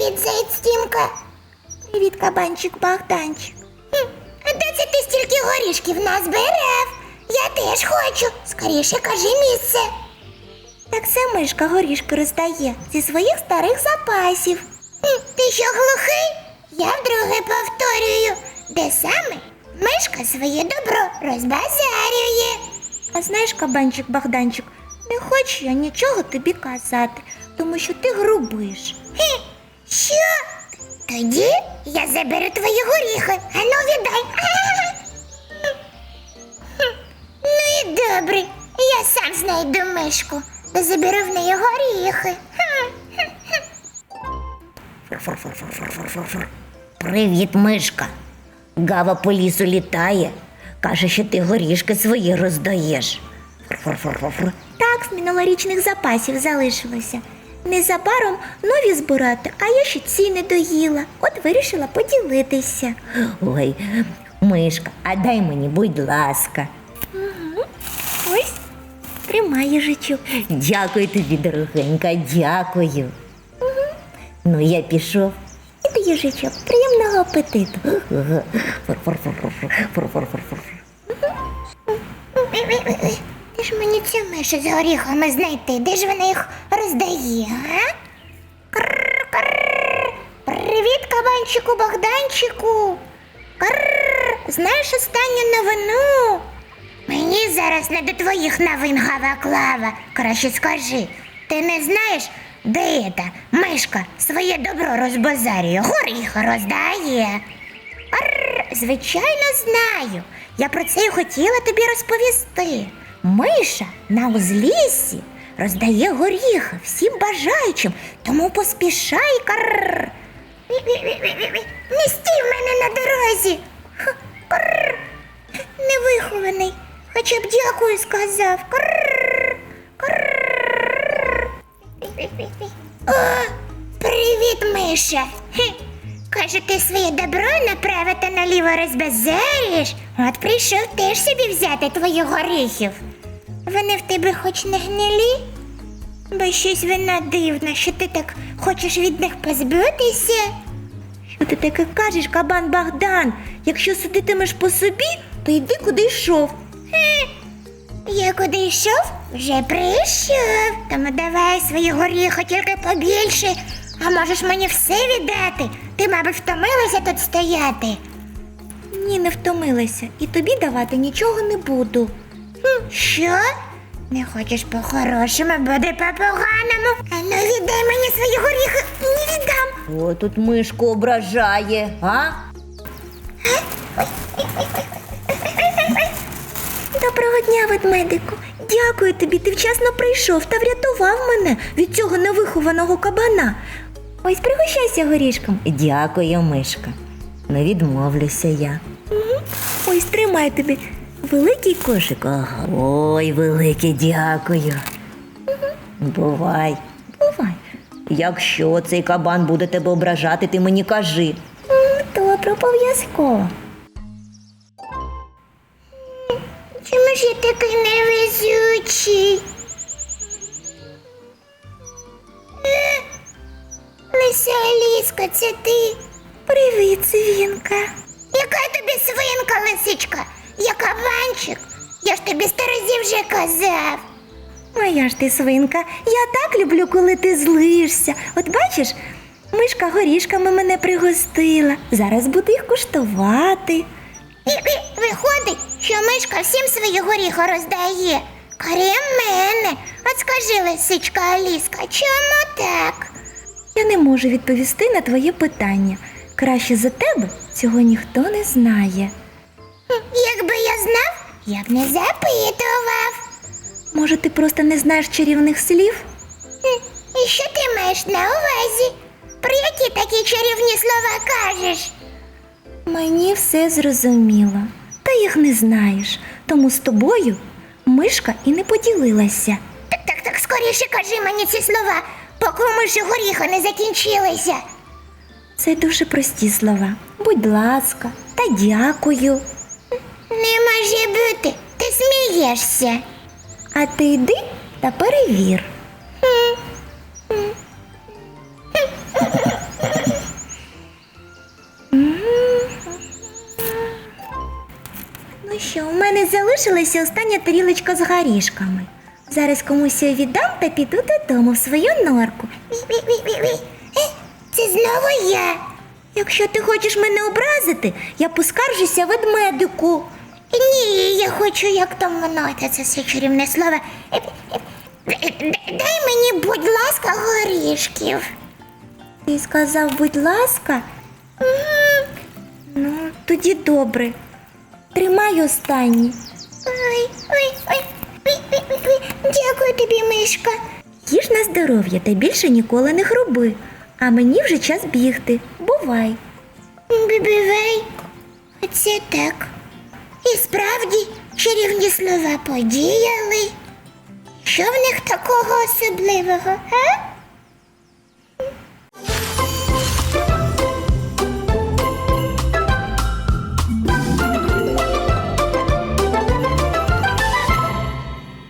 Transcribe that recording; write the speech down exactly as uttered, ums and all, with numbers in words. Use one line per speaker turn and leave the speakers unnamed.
Привіт, заєць Тімка. Привіт, кабанчик Богданчик. Хм, а де це ти стільки горішків назбирав? Я теж хочу. Скоріше кажи місце. Так це мишка горішки роздає зі своїх старих запасів. Хм, ти що, глухий? Я вдруге повторюю. Де саме мишка своє добро розбазарює. А знаєш, кабанчик Богданчик, не хочу я нічого тобі казати, тому що ти грубиш. Хе, що? Тоді я заберу твої горіхи. Ану, віддай. Ну і добре, я сам знайду мишку та заберу в неї горіхи.
Фур-фур-фур-фур-фур-фур-фур. Привіт, мишка. Гава по лісу літає. Каже, що ти горішки свої роздаєш. Фур-фур-фур-фур.
Так, з минулорічних запасів залишилося. Незабаром нові збирати, а я ще ці не доїла. От вирішила поділитися.
Ой, мишка, а дай мені, будь ласка.
Угу. Ось, тримай, їжачок.
Дякую тобі, дорогенька, дякую. Угу. Ну, я пішов.
Іди, їжачок, приємного апетиту.
Фур-фур-фур-фур-фур-фур-фур.
Де ж мені цю мишу з горіхами знайти? Де ж вона їх роздає, а? Крррр-крррр. Привіт, кабанчику Богданчику. Крррр. Знаєш останню новину? Мені зараз не до твоїх новин, Гава-Клава. Краще скажи, ти не знаєш, де та мишка своє добро розбазарює, горіхи роздає? Арр, звичайно, знаю. Я про це й хотіла тобі розповісти. Миша на узліссі роздає горіхи всім бажаючим, тому поспішай, карр. Не стій в мене на дорозі. Карр. Невихований. Хоча б дякую сказав. Карр. Карр. О, привіт, Миша. Хе. Каже, ти своє добро направо та наліво розбазарюєш. От прийшов теж собі взяти твоїх горіхів. Вони в тебе хоч не гнилі? Бо щось вона дивна, що ти так хочеш від них позбутися. Що ти таке кажеш, кабан Богдан? Якщо судитимеш по собі, то йди куди йшов. Хе, я куди йшов? Вже прийшов. Тому давай свої горіхи тільки побільше. А можеш мені все віддати? Ти, мабуть, втомилася тут стояти. Ні, не втомилася. І тобі давати нічого не буду. Хм, що? Не хочеш по-хорошому, буде по-поганому. А ну віддай мені свої горіхи. Не віддам.
О, тут мишку ображає, а?
Доброго дня, ведмедику. Дякую тобі, ти вчасно прийшов та врятував мене від цього невихованого кабана. Ось пригощайся горішком.
Дякую, мишка. Не відмовлюся я.
Угу. Ось тримай тобі великий кошик.
Ага. Ой, велике дякую.
Угу.
Бувай.
Бувай.
Якщо цей кабан буде тебе ображати, ти мені кажи.
Добре, обов'язково. Чому ж я такий невезучий? Е, Лися Аліска, це ти? Привіт, свинка. Яка тобі свинка, лисичка? Я кабанчик. Я ж тобі сто разів вже казав. Моя ж ти свинка, я так люблю, коли ти злишся. От бачиш, мишка горішками мене пригостила. Зараз буду їх куштувати. Виходить, що мишка всім свої горіхи роздає. Крім мене. От скажи, лисичка Аліска, чому так? Я не можу відповісти на твоє питання. Краще за тебе цього ніхто не знає. Якби я знав, я б не запитував. Може, ти просто не знаєш чарівних слів? І що ти маєш на увазі? Про які такі чарівні слова кажеш? Мені все зрозуміло. Та їх не знаєш. Тому з тобою мишка і не поділилася. Так, так, так, скоріше кажи мені ці слова, поки у миші горіхи не закінчилися. Це дуже прості слова. Будь ласка, та дякую. Не може бути, ти смієшся. А ти йди та перевір. залишилася остання тарілочка з горішками. Зараз комусь її віддам та піду додому в свою норку. Ві-ві-ві-ві-ві. Е, Це знову я. Якщо ти хочеш мене образити, я поскаржуся ведмедику. Ні, я хочу, як там воно, це це все чарівне слово. Е, е, е, Дай мені, будь ласка, горішків. Ти сказав, будь ласка? М, Ну, тоді добре. Тримай останні. Ой, ой, ой. Ой, ой, ой, ой. Дякую тобі, мишка. Їж на здоров'я та більше ніколи не хруби. А мені вже час бігти. Бувай. Бібівей. Оце так. І справді чарівні слова подіяли. Що в них такого особливого, а?